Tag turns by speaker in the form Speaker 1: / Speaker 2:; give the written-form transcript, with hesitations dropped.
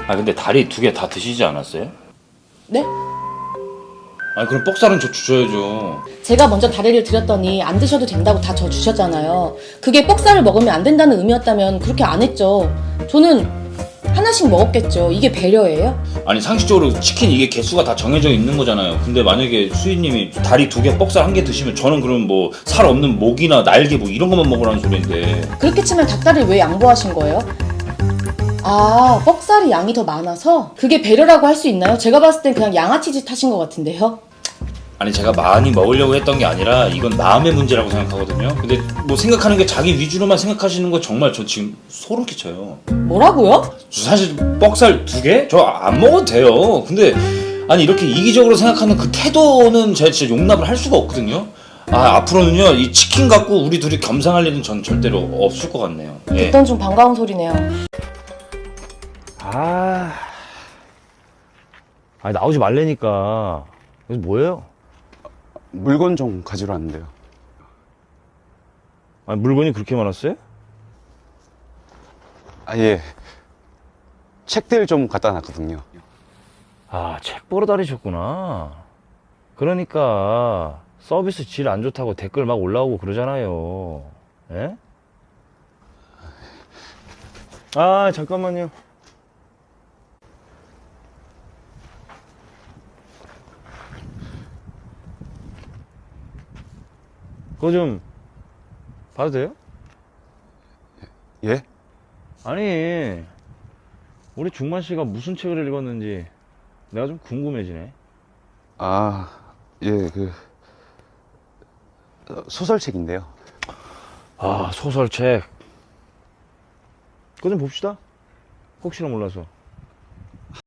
Speaker 1: 아 근데 다리 2개 다 드시지 않았어요?
Speaker 2: 네?
Speaker 1: 아니 그럼 뻑살은 저 주셔야죠.
Speaker 2: 제가 먼저 다리를 드렸더니 안 드셔도 된다고 다 저 주셨잖아요. 그게 뻑살을 먹으면 안 된다는 의미였다면 그렇게 안 했죠. 저는 하나씩 먹었겠죠. 이게 배려예요?
Speaker 1: 아니 상식적으로 치킨 이게 개수가 다 정해져 있는 거잖아요. 근데 만약에 수희님이 다리 2개 뻑살 1개 드시면 저는 그럼 뭐 살 없는 목이나 날개 뭐 이런 것만 먹으라는 소리인데.
Speaker 2: 그렇게 치면 닭다리를 왜 양보하신 거예요? 아, 뻑살이 양이 더 많아서? 그게 배려라고 할 수 있나요? 제가 봤을 땐 그냥 양아치 짓 하신 것 같은데요?
Speaker 1: 아니 제가 많이 먹으려고 했던 게 아니라 이건 마음의 문제라고 생각하거든요. 근데 뭐 생각하는 게 자기 위주로만 생각하시는 거 정말 저 지금 소름 끼쳐요.
Speaker 2: 뭐라고요?
Speaker 1: 사실 뻑살 2개? 저 안 먹어도 돼요. 근데 아니 이렇게 이기적으로 생각하는 그 태도는 제가 진짜 용납을 할 수가 없거든요. 아 앞으로는요 이 치킨 갖고 우리 둘이 겸상할 일은 전 절대로 없을 것 같네요. 예.
Speaker 2: 듣던 좀 반가운 소리네요.
Speaker 3: 아니 나오지 말래니까. 그래서 뭐예요?
Speaker 4: 물건 좀 가지러 왔는데요.
Speaker 3: 아니 물건이 그렇게 많았어요?
Speaker 4: 아, 예. 책들 좀 갖다 놨거든요.
Speaker 3: 아, 책 보러 다니셨구나. 그러니까 서비스 질 안 좋다고 댓글 막 올라오고 그러잖아요. 예? 아, 잠깐만요. 그거 좀 봐도 돼요?
Speaker 4: 예?
Speaker 3: 아니, 우리 중만 씨가 무슨 책을 읽었는지 내가 좀 궁금해지네.
Speaker 4: 아, 예, 소설책인데요.
Speaker 3: 아, 소설책. 그거 좀 봅시다. 혹시나 몰라서.